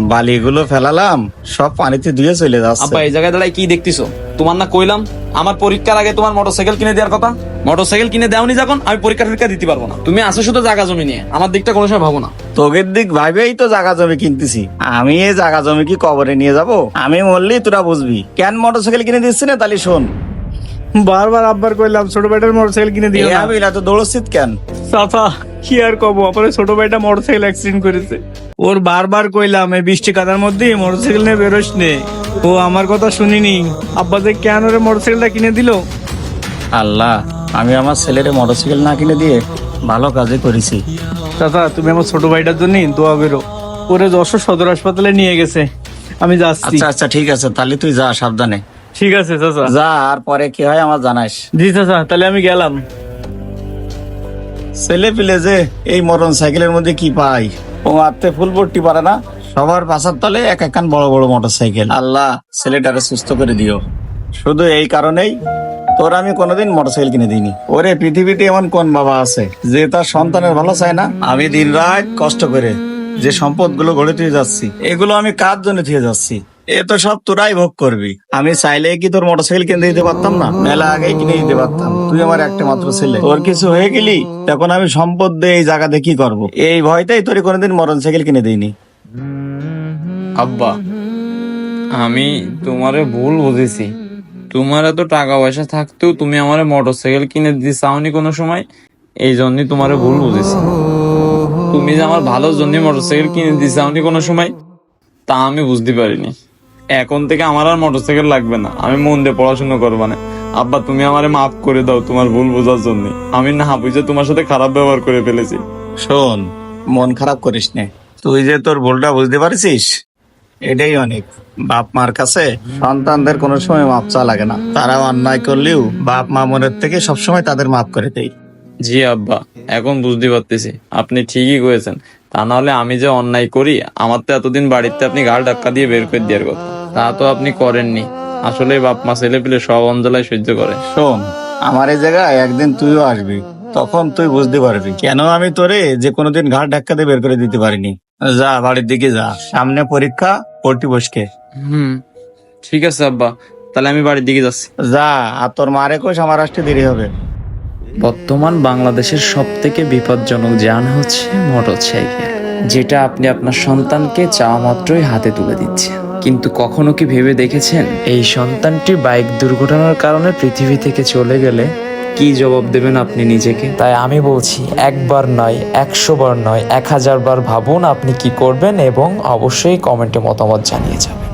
বালিগুলো ফেলালাম, সব পানিতে ধুয়ে চলে যাচ্ছে। আব্বা এই জায়গায় দাঁড়ায় কি দেখতেছো? তোমার না কইলাম আমার পরীক্ষার আগে তোমার মোটরসাইকেল কিনে দেওয়ার কথা? মোটরসাইকেল কিনে দেওনি যখন আমি পরীক্ষা দিতে পারবো না। তুমি আসো শুধু জায়গা জমি নিয়ে, আমার দিকটা কোনো সময় ভাবো না। তোগের দিক ভাবেই তো জায়গা জমি কিনতেছি। আমি এই জায়গা জমি কি কবরে নিয়ে যাব? আমি মরলেই তোরা বুঝবি। কেন মোটরসাইকেল কিনে দিচ্ছি না? তাহলে শোন, বারবার আব্বার কইলাম ছোট ভাইটার মোটরসাইকেল কিনে দিও না। আমি না তো দৌড়ছিস কেন? চাচা কি আর কব, আপনার ছোট ভাইটা মোটরসাইকেল অ্যাক্সিডেন্ট করেছে। ওর বারবার কইলাম এই বৃষ্টি কাদার মধ্যে মোটরসাইকেল নিয়ে বেরোস নে, ও আমার কথা শুনিনি। আব্বা যে কেন ওরে মোটরসাইকেলটা কিনে দিল। আল্লাহ, আমি আমার ছেলের মোটরসাইকেল না কিনে দিয়ে ভালো কাজে করেছি। চাচা তুমি আমার ছোট ভাইটার জন্য দোয়া করো। ওরে যশোর সদর হাসপাতালে নিয়ে গেছে, আমি যাচ্ছি। আচ্ছা আচ্ছা ঠিক আছে, তাহলে তুই যা, সাবধানে ঠিক আছে চাচা। যা, আর পরে কি হয় আমার জানাস। জি চাচা, তাহলে আমি গেলাম। ছেলে পিলে যে এই মরণ সাইকেলের মধ্যে কি পাই, ও আত্মে ফুল ভর্তি পারে না। সবার পাশার তলে এক একখান বড় বড় মোটর সাইকেল। আল্লাহ ছেলেটারে সুস্থ করে দিও। শুধু এই কারণেই তোর আমি কোনোদিন মোটরসাইকেল কিনে দিইনি। ওরে পৃথিবীতে এমন কোন বাবা আছে যে তার সন্তানের ভালো চায় না? আমি দিন রাত কষ্ট করে যে সম্পদ গুলো গড়ে তুলে যাচ্ছি, এগুলো আমি কার জন্য থুয়ে যাচ্ছি? এ তো সব তোরাই ভোগ করবি। আমি চাইলে কি তোর মোটরসাইকেল কিনে দিতে পারতাম না? মেলা আগে কিনে দিতে পারতাম। তুই আমার একটা মাত্র ছেলে, তোর কিছু হয়ে গেলি তখন আমি সম্পদ দিয়ে এই জায়গাতে কি করবো? এই ভয়টাই তোর কোনোদিন মোটরসাইকেল কিনে দিইনি। আব্বা আমি তোমারে ভুল বুঝেছি। তোমার এত টাকা পয়সা থাকতেও তুমি আমারে মোটরসাইকেল কিনে দিতে চাওনি কোনো সময়, এই জন্যই তোমারে ভুল বুঝেছি। তুমি যে আমার ভালোর জন্য মোটরসাইকেল কিনে দিতে চাওনি কোনো সময়, তা আমি বুঝতে পারিনি। এখন থেকে আমার আর মোটরসাইকেল লাগবে না, আমি মন দিয়ে পড়াশোনা করবো না। আব্বা তুমি আমারে মাফ করে দাও তোমার ভুল বোঝার জন্য। আমি না বুঝে তোমার সাথে খারাপ ব্যবহার করে ফেলেছি। শোন, মন খারাপ করিস না। তুই যে তোর ভুলটা বুঝতে পারছিস, এটাই অনেক। বাপ মার কাছে সন্তানদের কোনো সময় মাপ চাওয়া লাগে না। তারা অন্যায় করলেও বাপ মা মনের থেকে সবসময় তাদের মাফ করে দেয়। জি আব্বা, এখন বুঝতে পারতেছি আপনি ঠিকই করেছেন। তা নাহলে আমি যে অন্যায় করি, আমার তো এতদিন বাড়িতে আপনি ঘাড় ধাক্কা দিয়ে বের করে দেওয়ার কথা, তা তো আপনি করেননি। আসলে বাপ মা ছেলে পেলে সব অঞ্জলায় সহ্য করে। শোন, আমার এই জায়গায় একদিন তুইও আসবি, তখন তুই বুঝতে পারবি কেন আমি তোরে যে কোনোদিন ঘাড় ধাক্কা দিয়ে বের করে দিতে পারিনি। যা, বাড়ির দিকে যা, সামনে পরীক্ষা, পড়তি বসকে। ঠিক আছে আব্বা, তাহলে আমি বাড়ির দিকে যাচ্ছি। যা, আর তোর মারে কোষ আমার আসতে দেরি হবে। বর্তমান বাংলাদেশের সবথেকে বিপজ্জনক যান হচ্ছে মোটরসাইকেল, যেটা আপনি আপনার সন্তানকে চাওয়া মাত্রই হাতে তুলে দিচ্ছেন। কিন্তু কখনো কি ভেবে দেখেছেন এই সন্তানটি বাইক দুর্ঘটনার কারণে পৃথিবী থেকে চলে গেলে কি জবাব দেবেন আপনি নিজেকে? তাই আমি বলছি, একবার নয়, 100 বার নয়, 1000 বার ভাবুন আপনি কি করবেন, এবং অবশ্যই কমেন্টে মতামত জানিয়ে যাবেন।